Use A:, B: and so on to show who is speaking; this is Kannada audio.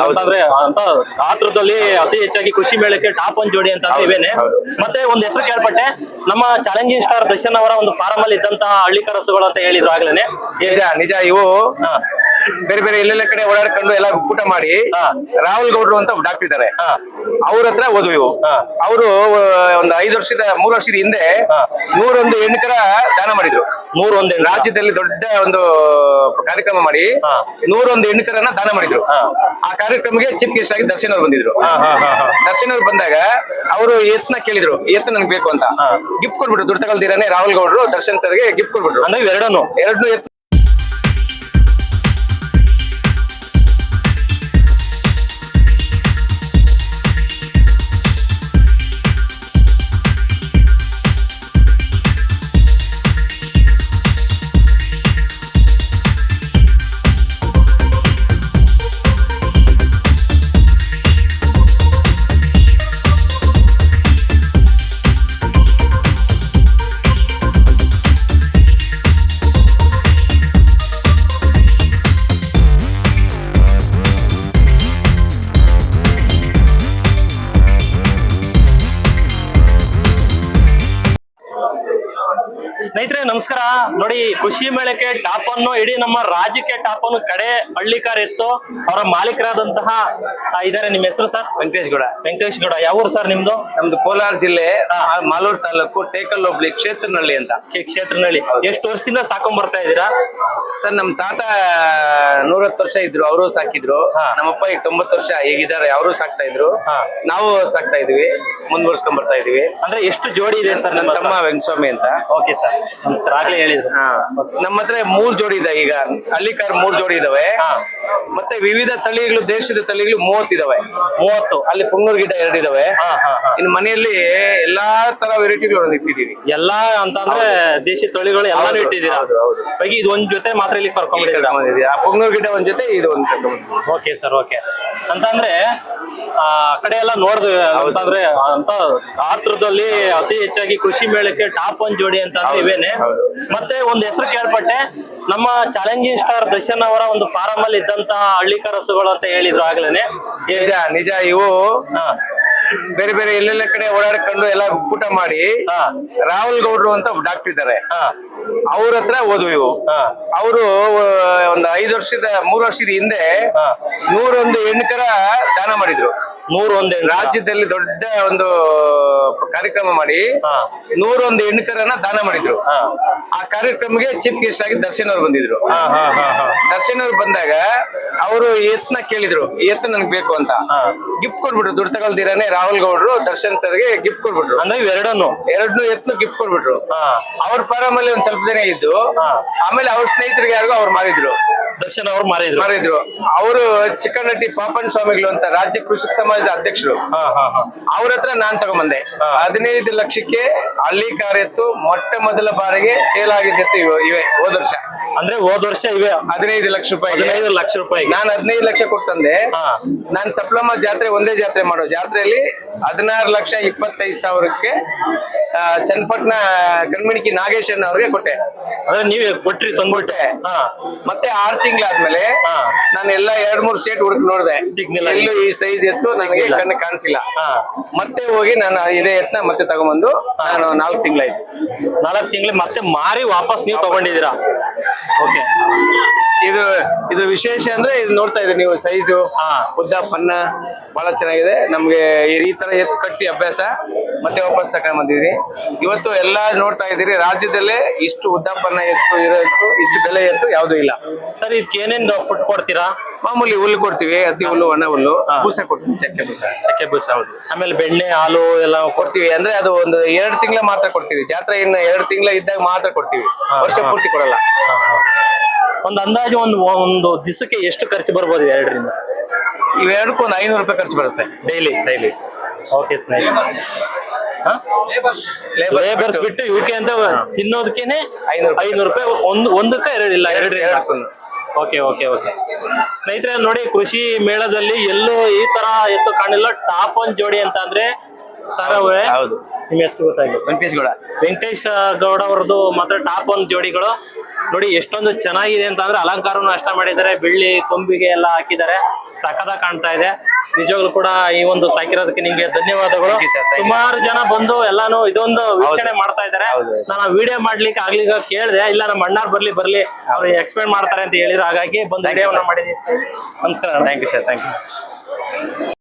A: ಅಂತಂದ್ರೆ ಅಂತ ಗಾತ್ರದಲ್ಲಿ ಅತಿ ಹೆಚ್ಚಾಗಿ ಕೃಷಿ ಮೇಳಕ್ಕೆ ಟಾಪ್ ಒನ್ ಜೋಡಿ ಅಂತ ಇವೇನೆ. ಮತ್ತೆ ಒಂದ್ ಹೆಸರು ಕೇಳ್ಪಟ್ಟೆ, ನಮ್ಮ ಚಾಲೆಂಜಿಂಗ್ ಸ್ಟಾರ್ ದರ್ಶನ್ ಅವರ ಒಂದು ಫಾರಂ ಅಲ್ಲಿ ಇದ್ದಂತ ಹಳ್ಳಿಕಾರ ಹಸುಗಳು ಅಂತ ಹೇಳಿದ್ರು ಆಗ್ಲೇನೆ.
B: ನಿಜ ನಿಜ. ಇವು ಬೇರೆ ಬೇರೆ ಎಲ್ಲೆಲ್ಲ ಕಡೆ ಓಡಾಡ್ಕೊಂಡು ಎಲ್ಲ ಊಟ ಮಾಡಿ ರಾಹುಲ್ ಗೌಡ್ರು ಅಂತ ಡಾಕ್ಟರ್ ಇದ್ದಾರೆ, ಅವ್ರ ಹತ್ರ ಹೋದ್ವು ಇವು. ಅವರು ಒಂದು 3 ವರ್ಷದ ಹಿಂದೆ 101 ಹೆಣ್ಕರ ದಾನ ಮಾಡಿದ್ರು.
A: 101
B: ರಾಜ್ಯದಲ್ಲಿ ದೊಡ್ಡ ಒಂದು ಕಾರ್ಯಕ್ರಮ ಮಾಡಿ 101 ಹೆಣ್ಕರನ್ನ ದಾನ ಮಾಡಿದ್ರು. ಆ ಕಾರ್ಯಕ್ರಮಕ್ಕೆ ಚೀಫ್ ಗೆಸ್ಟ್ ಆಗಿ ದರ್ಶನ್ ಅವ್ರು ಬಂದಿದ್ರು. ದರ್ಶನ್ ಅವ್ರು ಬಂದಾಗ ಅವರು ಎತ್ನ ಕೇಳಿದ್ರು, ಎತ್ತು ನನ್ಗೆ ಬೇಕು ಅಂತ. ಗಿಫ್ಟ್ ಕೊಡ್ಬಿಟ್ರು, ದುಡ್ಡು ತಗೊಳ್ದಿರಾನೆ ರಾಹುಲ್ ಗೌಡ್ರು ದರ್ಶನ್ ಸರ್ಗೆ ಗಿಫ್ಟ್ ಕೊಡ್ಬಿಟ್ರು.
A: ಅಂದ್ರೆ ಎರಡನ್ನೂ
B: ಎತ್ತು.
A: ಸ್ನೇಹಿತರೆ ನಮಸ್ಕಾರ. ನೋಡಿ, ಕೃಷಿ ಮೇಳಕ್ಕೆ ಟಾಪ್ ಅನ್ನು ಇಡೀ ನಮ್ಮ ರಾಜ್ಯಕ್ಕೆ ಟಾಪ್ ಅನ್ನು ಕಡೆ ಹಳ್ಳಿಕಾರ ಇತ್ತು. ಅವರ ಮಾಲೀಕರಾದಂತಹ ಇದಾರೆ. ನಿಮ್ಮ ಹೆಸರು ಸರ್?
B: ವೆಂಕಟೇಶ್ ಗೌಡ.
A: ವೆಂಕಟೇಶ್ ಗೌಡ. ಯಾವ ಊರು ಸರ್ ನಿಮ್ದು?
B: ನಮ್ದು ಕೋಲಾರ ಜಿಲ್ಲೆ ಮಾಲೂರು ತಾಲೂಕು ಟೇಕಲ್ ಹೋಬಳಿ ಕ್ಷೇತ್ರನಹಳ್ಳಿ ಅಂತ.
A: ಕ್ಷೇತ್ರನಹಳ್ಳಿ. ಎಷ್ಟು ವರ್ಷದಿಂದ ಸಾಕೊಂಡ್ ಬರ್ತಾ ಇದ್ದೀರಾ
B: ಸರ್? ನಮ್ ತಾತ 110 ವರ್ಷ ಇದ್ರು, ಅವರು ಸಾಕಿದ್ರು. ನಮ್ಮಪ್ಪ ಈಗ 90 ವರ್ಷ ಈಗಿದ್ದಾರೆ, ಅವರು ಸಾಕ್ತಾ ಇದ್ರು. ನಾವು ಸಾಕ್ತಾ ಇದೀವಿ, ಮುಂದುವರ್ಸ್ಕೊಂಡ್ ಬರ್ತಾ ಇದೀವಿ.
A: ಅಂದ್ರೆ ಎಷ್ಟು ಜೋಡಿ ಇದೆ ಸರ್?
B: ನಮ್ಮ ತಮ್ಮ ವೆಂಕಟಸ್ವಾಮಿ ಅಂತ.
A: ಓಕೆ ಸರ್, ನಮಸ್ಕಾರ. ಆಗ್ಲೇ ಹೇಳಿದ್ರು.
B: ನಮ್ಮ ಹತ್ರ 3 ಜೋಡಿ ಇದೆ. ಈಗ ಹಳ್ಳಿಕಾರ್ 3 ಜೋಡಿ ಇದಾವೆ. ಮತ್ತೆ ವಿವಿಧ ತಳಿಗಳು, ದೇಶದ ತಳಿಗಳು 30 ಇದಾವೆ.
A: 30.
B: ಅಲ್ಲಿ ಪುಂಗೂರ್ ಗಿಡ 2 ಇದಾವೆ. ಇನ್ನು ಮನೆಯಲ್ಲಿ ಎಲ್ಲಾ ತರ ವೆರೈಟಿಗಳು ಇಟ್ಟಿದೀವಿ.
A: ಎಲ್ಲಾ ಅಂತಂದ್ರೆ ದೇಶಿ ತಳಿಗಳು ಎಲ್ಲಾನು ಇಟ್ಟಿದ್ದೀರಾ? ಹಾಗೆ ಇದು ಒಂದ್ ಜೊತೆ ಮಾತ್ರ ಇಲ್ಲಿ ಕರ್ಕೊಂಡ್ಬಂದಿದ್ದೀರಾ?
B: ಆ ಪುಂಗೂರ್ ಗಿಡ ಒಂದ್ ಜೊತೆ, ಇದು ಒಂದ್ ಕರ್ಕೊಂಡ್ಬಂದಿದ್ದೀವಿ.
A: Okay sir, okay. ಅಂತಂದ್ರೆ ಆ ಕಡೆ ಎಲ್ಲ ನೋಡಿದ್ವಿ ಅಂತಂದ್ರೆ ಅಂತ ಗಾತ್ರದಲ್ಲಿ ಅತಿ ಹೆಚ್ಚಾಗಿ ಕೃಷಿ ಮೇಳಕ್ಕೆ ಟಾಪ್ ಒನ್ ಜೋಡಿ ಅಂತ ಇವೇನೆ. ಮತ್ತೆ ಒಂದ್ ಹೆಸರು ಕೇಳ್ಪಟ್ಟೆ, ನಮ್ಮ ಚಾಲೆಂಜಿಂಗ್ ಸ್ಟಾರ್ ದರ್ಶನ್ ಅವರ ಒಂದು ಫಾರಂ ಅಲ್ಲಿ ಇದ್ದಂತ ಹಳ್ಳಿಕಾರ ಹಸುಗಳು ಅಂತ ಹೇಳಿದ್ರು ಆಗ್ಲೇನೆ.
B: ನಿಜ ನಿಜ. ಇವು ಬೇರೆ ಬೇರೆ ಎಲ್ಲೆಲ್ಲ ಕಡೆ ಓಡಾಡ್ಕೊಂಡು ಎಲ್ಲ ಊಟ ಮಾಡಿ ರಾಹುಲ್ ಗೌಡ್ರು ಅಂತ ಡಾಕ್ಟರ್ ಇದ್ದಾರೆ, ಅವ್ರ ಹತ್ರ ಹೋದ್ವು ಇವು. ಅವರು ಒಂದು 3 ವರ್ಷದ ಹಿಂದೆ 101 ಹೆಣ್ಕರ ದಾನ ಮಾಡಿದ್ರು.
A: 101
B: ರಾಜ್ಯದಲ್ಲಿ ದೊಡ್ಡ ಒಂದು ಕಾರ್ಯಕ್ರಮ ಮಾಡಿ 101 ಹೆಣ್ಕರನ್ನ ದಾನ ಮಾಡಿದ್ರು. ಆ ಕಾರ್ಯಕ್ರಮಕ್ಕೆ ಚೀಫ್ ಗೆಸ್ಟ್ ಆಗಿ ದರ್ಶನ್ ಅವ್ರು ಬಂದಿದ್ರು. ದರ್ಶನ್ ಅವ್ರು ಬಂದಾಗ ಅವರು ಎತ್ನ ಕೇಳಿದ್ರು, ಎತ್ತು ನನ್ಗೆ ಬೇಕು ಅಂತ. ಗಿಫ್ಟ್ ಕೊಡ್ಬಿಟ್ರು, ದುಡ್ಡು ತಗೊಳ್ದಿರಾನೆ ರಾಹುಲ್ ಗೌಡ್ರು ದರ್ಶನ್ ಸರ್ಗೆ ಗಿಫ್ಟ್ ಕೊಡ್ಬಿಟ್ರು.
A: ಅಂದ್ರೆ ಎರಡನ್ನೂ
B: ಎತ್ನು ಗಿಫ್ಟ್ ಕೊಡ್ಬಿಟ್ರು. ಅವ್ರ ಫಾರಂ ಅಲ್ಲಿ ಒಂದ್ ಸ್ವಲ್ಪ ದಿನ ಇದ್ದು, ಆಮೇಲೆ ಅವ್ರ ಸ್ನೇಹಿತರಿಗೆ ಯಾರಿಗೂ ಅವ್ರು ಮಾರಿದ್ರು.
A: ದರ್ಶನ್ ಅವ್ರು ಮಾರಿದ್ರು.
B: ಅವರು ಚಿಕ್ಕನಟ್ಟಿ ಪಾಪನ್ ಸ್ವಾಮಿಗಳು ಅಂತ ರಾಜ್ಯ ಕೃಷಿಕ ಸಮಾಜದ ಅಧ್ಯಕ್ಷರು. ಅವ್ರ ಹತ್ರ ನಾನ್ ತಗೊಂಬಂದೆ. 15 ಲಕ್ಷಕ್ಕೆ ಹಳ್ಳಿಕಾರ ಎತ್ತು ಮೊಟ್ಟ ಮೊದಲ ಬಾರಿಗೆ ಸೇಲ್ ಆಗಿದ್ದೆತ್ತು ಇವೆ ಹೋದ ವರ್ಷ.
A: ಅಂದ್ರೆ ಹೋದ ವರ್ಷ ಇವೆ
B: 15 ಲಕ್ಷ ರೂಪಾಯಿ.
A: 15 ಲಕ್ಷ ರೂಪಾಯಿ.
B: ನಾನು 15 ಲಕ್ಷ ಕೊಡ್ತಂದೆ. ನಾನ್ ಸಪ್ಲಮ್ಮ ಜಾತ್ರೆ, ಒಂದೇ ಜಾತ್ರೆ ಮಾಡೋ ಜಾತ್ರೆಯಲ್ಲಿ 16,25,000ಕ್ಕೆ ಚನ್ನಪಟ್ಟಣ ಕಣ್ಮಣಿಕಿ ನಾಗೇಶನ್ ಅವ್ರಿಗೆ ಕೊಟ್ಟೆ.
A: ಅದೇ ನೀವೇ ಕೊಟ್ರಿ, ತಂದ್ಬಿಟ್ಟೆ.
B: ಮತ್ತೆ 6 ತಿಂಗಳಾದ್ಮೇಲೆ ನಾನು ಎಲ್ಲ 2-3 ಸ್ಟೇಟ್ ಹುಡುಕ್ ನೋಡಿದೆ, ಸಿಗ್ಲಿಲ್ಲ. ಎಲ್ಲೂ ಈ ಸೈಜ್ ಎತ್ತು ನನಗೆ ಕಣ್ಣು ಕಾಣಿಸಿಲ್ಲ. ಮತ್ತೆ ಹೋಗಿ ನಾನು ಇದೇ ಎತ್ನ ಮತ್ತೆ ತಗೊಂಡ್ಬಂದು ನಾನು 4 ತಿಂಗಳಾಯ್ತು.
A: 4 ತಿಂಗಳು ಮತ್ತೆ ಮಾರಿ ವಾಪಸ್ ನೀವು ತಗೊಂಡಿದ್ದೀರಾ? ಓಕೆ.
B: ಇದು ವಿಶೇಷ ಅಂದ್ರೆ ಇದು ನೋಡ್ತಾ ಇದ್ರಿ ನೀವು, ಸೈಜು, ಉದ್ದ, ಪನ್ನ ಬಹಳ ಚೆನ್ನಾಗಿದೆ. ನಮ್ಗೆ ಈ ತರ ಎತ್ತು ಕಟ್ಟಿ ಅಭ್ಯಾಸ, ಮತ್ತೆ ವಾಪಸ್ ತಗೊಂಡ್ ಬಂದಿದ್ರಿ. ಇವತ್ತು ಎಲ್ಲಾ ನೋಡ್ತಾ ಇದ್ದೀರಿ, ರಾಜ್ಯದಲ್ಲೇ ಇಷ್ಟು ಉದ್ದ ಪನ್ನ ಎತ್ತು ಇರೋ ಎತ್ತು, ಇಷ್ಟು ಬೆಲೆ ಎತ್ತು ಯಾವ್ದು ಇಲ್ಲ.
A: ಸರ್, ಇದಕ್ಕೆ ಏನೇನು ಫುಡ್ ಕೊಡ್ತೀರಾ?
B: ಮಾಮೂಲಿ ಹುಲ್ಲು ಕೊಡ್ತೀವಿ, ಹಸಿ ಹುಲ್ಲು, ಒಣ ಹುಲ್ಲು, ಬೂಸ ಕೊಡ್ತೀವಿ, ಚಕ್ಕೆ ಬೂಸ. ಹೌದು.
A: ಆಮೇಲೆ ಬೆಣ್ಣೆ, ಹಾಲು ಎಲ್ಲ
B: ಕೊಡ್ತೀವಿ. ಅಂದ್ರೆ ಅದು ಒಂದು 2 ತಿಂಗಳ ಮಾತ್ರ ಕೊಡ್ತೀವಿ. ಜಾತ್ರೆ ಇನ್ನು 2 ತಿಂಗಳ ಇದ್ದಾಗ ಮಾತ್ರ ಕೊಡ್ತೀವಿ, ವರ್ಷ ಪೂರ್ತಿ ಕೊಡಲ್ಲ.
A: ಒಂದು ಅಂದಾಜು ಒಂದು ದಿವಸಕ್ಕೆ ಎಷ್ಟು ಖರ್ಚು ಬರ್ಬೋದು? 2ರಿಂದ
B: ಇವೆರಡಕ್ಕೂ ಒಂದು 500 ರೂಪಾಯಿ ಖರ್ಚು ಬರುತ್ತೆ ಡೈಲಿ. ಓಕೆ
A: ಸ್ನೇಹಿತರೆ, ಲೇಬರ್ಸ್ ಬಿಟ್ಟು ಇವಕ್ಕೆ ಅಂತ ತಿನ್ನೋದಕ್ಕೇನೆ 500 ರೂಪಾಯಿ. ಒಂದಕ್ಕೆ 2 ಇಲ್ಲ, 2 ಓಕೆ. ಸ್ನೇಹಿತರೆ ನೋಡಿ, ಕೃಷಿ ಮೇಳದಲ್ಲಿ ಎಲ್ಲೂ ಈ ತರ ಎತ್ತು ಕಾಣಿಲ್ಲ. ಟಾಪ್ ಒನ್ ಜೋಡಿ ಅಂತ ಅಂದ್ರೆ ಸರವೇ ನಿಮ್ಮ ಹೆಸರು ಗೊತ್ತಾಗಿಲ್ಲ.
B: ವೆಂಕಟೇಶ್ ಗೌಡ.
A: ವೆಂಕಟೇಶ್ ಗೌಡ ಅವ್ರದ್ದು ಮಾತ್ರ ಟಾಪ್ 1 ಜೋಡಿಗಳು ನೋಡಿ ಎಷ್ಟೊಂದು ಚೆನ್ನಾಗಿದೆ ಅಂತ ಅಂದ್ರೆ ಅಲಂಕಾರನು ಅಷ್ಟ ಮಾಡಿದ್ದಾರೆ, ಬೆಳ್ಳಿ ಕೊಂಬಿಗೆ ಎಲ್ಲ ಹಾಕಿದ್ದಾರೆ, ಸಖತ್ತಾಗಿ ಕಾಣ್ತಾ ಇದೆ. ನಿಜವಾಗ್ಲೂ ಕೂಡ ಈ ಒಂದು ಸಾಕಿರೋದಕ್ಕೆ ನಿಮ್ಗೆ ಧನ್ಯವಾದಗಳು.
B: Thank you sir, thank you.
A: ಸುಮಾರು ಜನ ಬಂದು ಎಲ್ಲಾನು ಇದೊಂದು ವೀಕ್ಷಣೆ ಮಾಡ್ತಾ ಇದ್ದಾರೆ.
B: ಹೌದು.
A: ನಾನು ವಿಡಿಯೋ ಮಾಡ್ಲಿಕ್ಕೆ ಆಗ್ಲಿಕ್ಕೆ ಕೇಳಿದೆ, ಇಲ್ಲ ನಮ್ಮ ಅಣ್ಣಾರ್ ಬರ್ಲಿ ಅವ್ರು ಎಕ್ಸ್ಪ್ಲೇನ್ ಮಾಡ್ತಾರೆ ಅಂತ ಹೇಳಿದ್ರು, ಹಾಗಾಗಿ ಬಂದು
B: Thank you,
A: ವಿಡಿಯೋನ
B: sir.
A: ಮಾಡಿದೀನಿ. ನಮಸ್ಕಾರ.
B: Thank you sir.